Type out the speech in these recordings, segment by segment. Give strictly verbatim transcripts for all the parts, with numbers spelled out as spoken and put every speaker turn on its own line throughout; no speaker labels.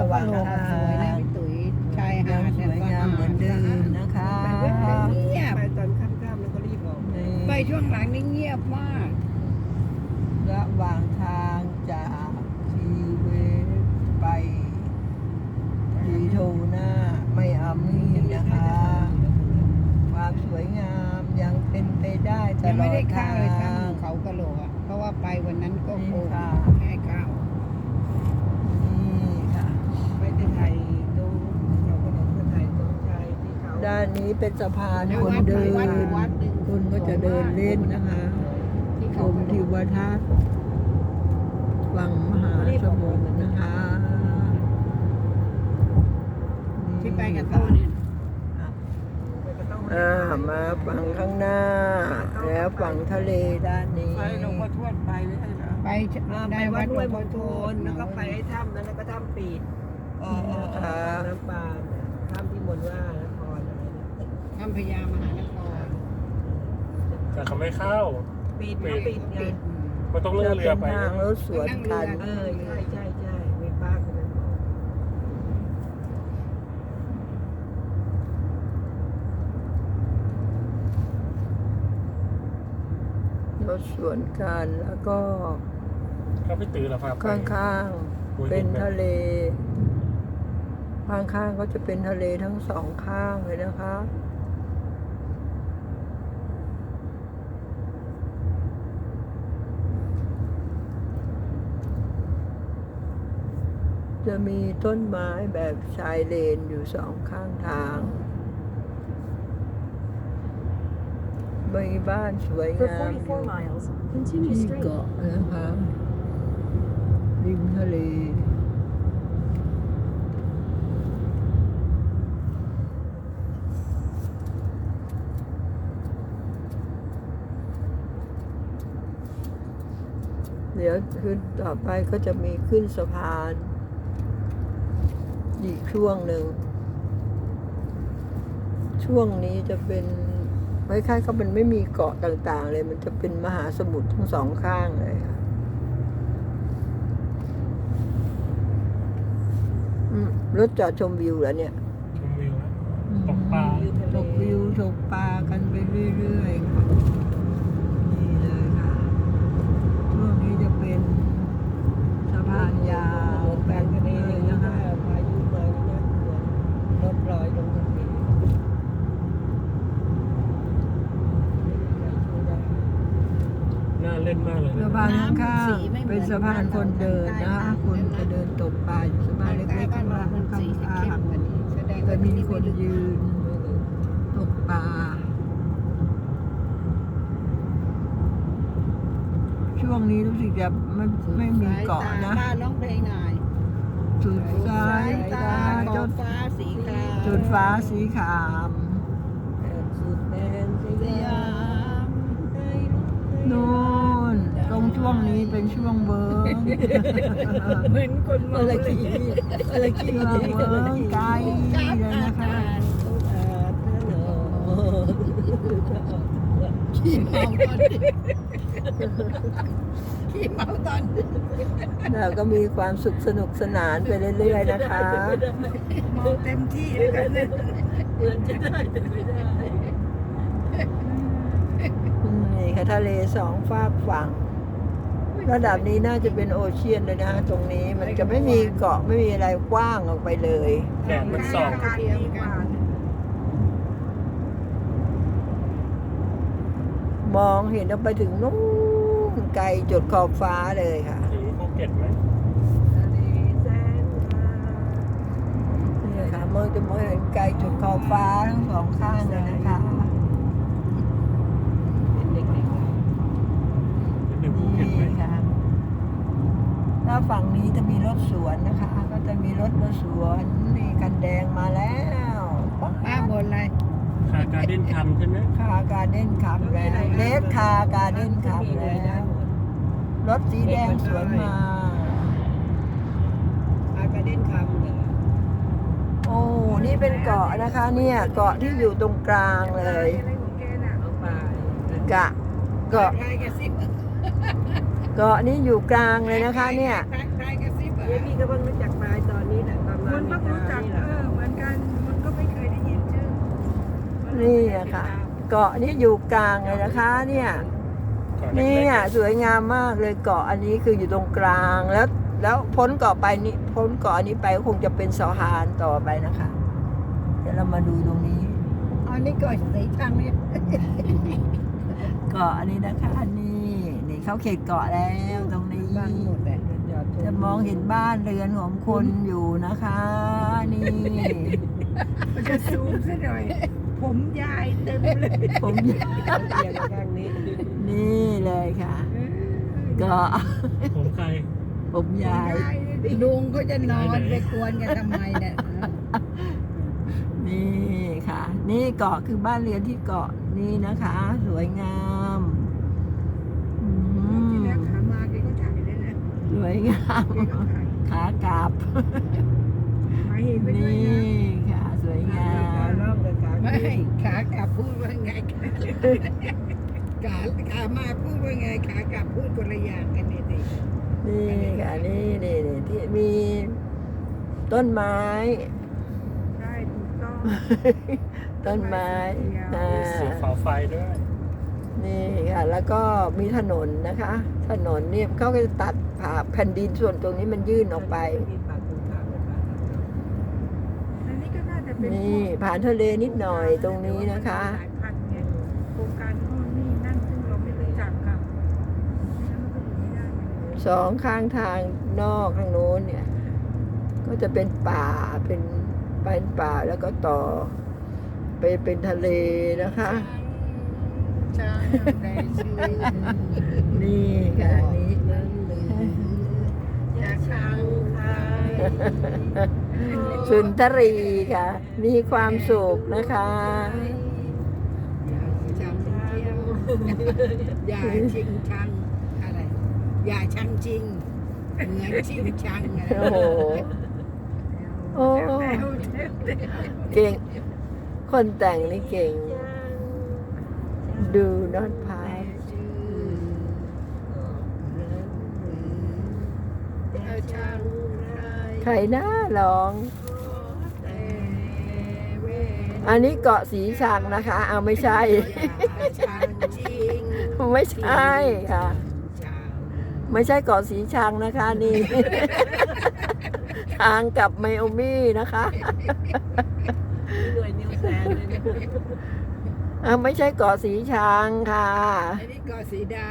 ระหว่าง
โลก
ทา
สวยนะ
ง
พี่ตุ๋ยชายหา
ยัง
ด
ส
เนี่ย
วยงามเหมือนเดิมนะคะ
เงียบ
ไปตอนค่ำๆแล้วก็รีบออก
นี่
ไปช่วงหลังนี่เงียบมาก
ระหว่างทางจากทีเวสไปดีโทน่าไม่อามี่นะคะ ความสวยงามยังเป็นไปได้ต
ยัง
ล
ไม่
อ
ได้
ด
ข้า
ทาว
เลยถ้ำ
ง
เขากะโหลกอ่ะเพราะว่าไปวันนั้นก็โควิด
นี่ค่ะ
ให้ข้าว
นี่ค่ะ
ไปที่ไทยดูเราก็ต้องไปไทยตรงใจที่เขา
ด้านนี้เป็นสะพาน
แล้ว
คน
วัด
เดิน
วัดวัดหนึ่ง
คนก็จะเดินเล่นนะคะ
ที่
ช
เขา
ม
กะโหล
ทิ
ก
วทัศน์ฝั่งมหาสมุทรนะคะ
ที่ไปกับโต้เนี่ย
อ่ามาฝั่งข้างหน้า แล้วฝั่งทะเลด้านนี้
ไปหลวงพ่อทวดไปไม่ใช่เหรอ
ไป
อ่าไป
ได้
วั
วั
ด
ด
ห้วย
ห
ม
ลวง
ณฑ
พ่อ
ลแล้วก็ไปไอ้ถ้ำนั้นแล้วก็ถ้ำปีด
อ๋ออ๋ออ๋อ
น้ำปานถ้ำที่มนว่านครอะไรนะ
ถ้ำพญามหานคร
แต่เขาไม่เข้า
ปีดมันปีดไง
ปิด
มันต้องเลื่
จะ
อนเรื
เป็
อน ไป
ทางรถสวนกัน
เออใช่ใช่ใช่มีป้าคนนั้นบอก
รถสวนกันแล้วก็
เขาไม่ตื่นหรอครับ
ข้างๆเป็นทะเล ข้างๆก็จะเป็นทะเลทั้งสองข้างเลยนะคะ จะมีต้นไม้แบบชายเลนอยู่สองข้างทาง มีบ้านสวย
For
งามอยู่
forty-four miles, continue
ที่
straight.
เกาะนะคะริมทะเล เดี๋ยวขึ้นต่อไปก็จะมีขึ้นสะพาน อีกช่วงหนึ่ง ช่วงนี้จะเป็นคล้ายๆเขาเป็นไม่มีเกาะต่างๆ เลย มันจะเป็นมหาสมุทรทั้งสองข้างเลยค่ะอืมรถจอดชมวิวเหรอเนี่ย
ชมวิวนะตกปลา
ตกวิวตกปลากันไปเรื่อยๆค่ะนี่เลยค่ะ ช่วงนี้จะเป็นสะพานยาวแบบนี้เลยนะคะ
พายุมานี่น่ากลัวรถลอยลงทะเลไม่มีใครช่วยได้
น่าเล่นมากเลย
สะ
นะ
พานข้างๆเป็นสะพานคนเดินนะคะคนจะเดินตกปลาอยู่สะพานเล็กๆข้างล่างข้าง
สีเข้
ข้าม ง
กว่านี้แสดง
ๆจะ
ว่า
มี
ที่นี่
ค
ไม่
น
ลึก
ยืนตกปลา ช่วงนี้รู้สึกจะไม่ไม่มีเกาะนะ
บ้านร้องเพลงหน่อย
สุดสายตา
ข
จ
อบ
ด
ฟ้าสีคราม
จุดฟ้าสีขาม
สุดแดนส
ส
ยาย
าม ม
นู่นตรงช่วงนี้เป็นช่วงเวิร์ก
เหมือนคนเมา
อะไร
เลย
กี่อะไรกี่
ช่วงเวิร์กไกลเลยนะคะ
ขี้เมาตอนนี้ขี้เมาตอนนี้
เราก็มีความสุขสนุกสนานไปเรื่อยๆนะคะ
เมาเต็มที่แล้วกันเนี่ย
เหมือนจะได้แต่ไม่ได้
นี่ค่ะทะเลสองฝากฝั่ง ระดับนี้น่าจะเป็นโอเชียนเลยนะตรงนี้มันจะไม่มีเกาะไม่มีอะไรกว้างออกไปเลย
แดดมันส่อง
เทียมกัน
มองเห็นออกไปถึงนู้นไกลจดขอบฟ้าเลยค่ะ
ถึงภูเก็ตไหม
ทะเลแสนงาม
นี่ค่ะมองจะมองเห็นไกลจดขอบฟ้าทั้งสองข้างเลยนะคะ
เป็นเด็ก
ถึงภูเก็ตไหม
นี่ค่ะหน้าฝั่งนี้จะมีรถสวนนะคะ ก็จะมีรถรถสวนนี่กันแดงมาแล้ว
ป้าบนอะไร
คาการ์เด้นคัมใช่ไหม
คาการเด้นขับแล้วเลสคาการเด้นขับแล้ว รถสีแดงสวนมา
ๆอากาเด้นคำเหรอ
โอ้ นี่เป็นเกาะนะคะ เนี่ย เกาะที่อยู่ตรงกลางเลย
อะไรของแกน่ะ
เอาไป
กะ เกาะ
ใครกระซิบ
เกาะนี้อยู่กลางเลยนะคะ เนี่ย
ใครใครกระซิบา
เดี๋ยวพี่ก็เพิ่งรู้จักปลายตอนนี้แหละประมา
คุ
ณ
ณก็รู้จัก
นี่แห
เอ
ละ
อเหมือนกันมันก็ไม่เคยได้ยินชื่อ
นี่อะค่ะ เกาะนี้อยู่กลางเลยนะคะ เนี่ย
ก่อนเล็
นี่
ก
อ่ะสวยงามมากเลยเกาะอันนี้คืออยู่ตรงกลางแล้ว แล้วพ้นเกาะไปนี่พ้นเกาะอันนี้ไปก็คงจะเป็นสะพานต่อไปนะคะ เดี๋ยวเรามาดูตรงนี้
อันนี้ก่อนสีชังเนี่ย
เกาะอันนี้นะคะอันนี้นี่เข้าเขตเกาะแล้วตรงนี้
บ้านหมดเลย
จะมองเห็นบ้านเรือนของคนอยู่นะคะ นี่
มันจะซูมซะหน่อย ผมยายเต็มเลย
ผม
เตียงข้างนี้
นี่เลยค่ะเกาะ
ๆผมใคร
ผมยาย
ลุงก็จะนอนไปกวนกันทำไมเนี่ย
นี่ค่ะ นี่เกาะคือบ้านเรือนที่เกาะนี่นะคะ สวยงามอื
ที่
ม
แล้วขามาแกก็ถ่ายเลยนะ
สวยงาม
แกก็ถ่าย
ขากลับ
มาเห็นไปด้วย
นี่
นะ
ค่ะ สวยงา
ขาม ล่องกับขา
ไม่
ขึ้น
ขากลับพูดว่าไงขาขามาพูดว่าไงขากลับพูดคนละอย่างกันเนี่ยสิ
นี่ค่ะนี่นี่นี่ที่มีต้นไม้
ใช่ถูกต้อง
ต้นไม้อ่า
มีสีฟ้าไฟด้วย
นี่ค่ะ แล้วก็มีถนนนะคะ ถนนเนี่ยเขาก็จะตัดผ่าแผ่นดินส่วนตรงนี้มันยื่นออกไป
มีปากคุณขาวเป็นปากทางเข้า
อันนี้ก็น่าจะเป็น
นี่ผ่านทะเลนิดหน่อยตรงนี้นะคะ
หลายพันไงโครงการโน่นนี่นั่นซึ่งเราไม่รู้จักค่ะไม่งั้นมันก็อยู่ไม่ได้ไง
สองข้างทางนอกทางโน้นเนี่ย ก็จะเป็นป่าเป็นเป็นป่าแล้วก็ต่อ ไปเป็นทะเลนะคะ
ใช่ในชีวิต
นี่ค่ะนี่
นั้นหรือจะชังใคร
สุนทรีค่ะ มีความสุขนะคะ
ชังเที่ยวอย่าชิงชังอะไร อย่าชังจริง เหมือนชิงชังอะ
โอ้โห โอ้
แซวแซวแซว
เก่ง คนแต่งนี่เก่ง ดูนอตพาส
เอาชังใคร
ใครน่าร้อง
แต่เวร
อันนี้เกาะสีชังนะคะ เอาไม่ใช่
ชังจริง
ไม่ใช่ค่ะ
ชัง
ไม่ใช่เกาะสีชังนะคะนี่ ทางกลับไมโอมี่นะคะ
หน่วยนิวแซนเลยนะ
อ่ะไม่ใช่เกาะสีชังค่ะ
อันนี้ก็สีดา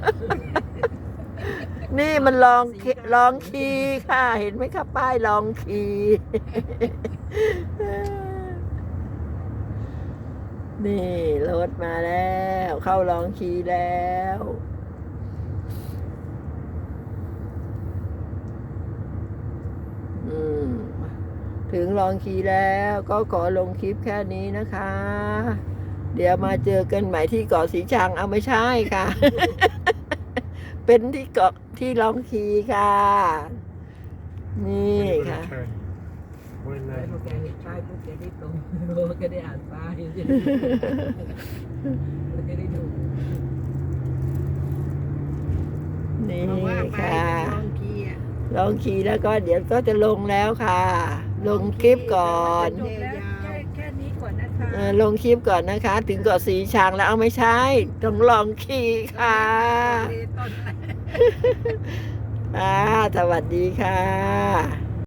นี่มันลองเคลองคีค่ะ เห็นไหมคะป้ายลองคี นี่รถมาแล้ว เข้าลองคีแล้ว อืม ถึงลองคีแล้วก็ขอลงคลิปแค่นี้นะคะ เดี๋ยวมาเจอกันใหม่ที่เกาะสีชังเอาไม่ใช่ค่ะ เป็นที่เกาะที่ลองคีค่ะ นี่ค่ะ
เว้นเล
ไอ้
ย
พวกแกเห็นป้ายปุ๊บแกได้ตรงโอ้แกได้อ่านป้ายแล้วแกได้ดู
นี่
เพราะว่าไป
ค่ะ
ลองคีอ่ะ
ลองคีแล้วก็เดี๋ยวก็จะลงแล้วค่ะ ลงคลิปก่อน
จบแล้วแค่แค่นี้ก่อนนะคะ
เออลงคลิปก่อนนะคะ ถึงเกาะสีชังแล้วเอาไม่ใช่ต้องลองคีค่ะ
ต้น
อ่าสวัสดีค่ะ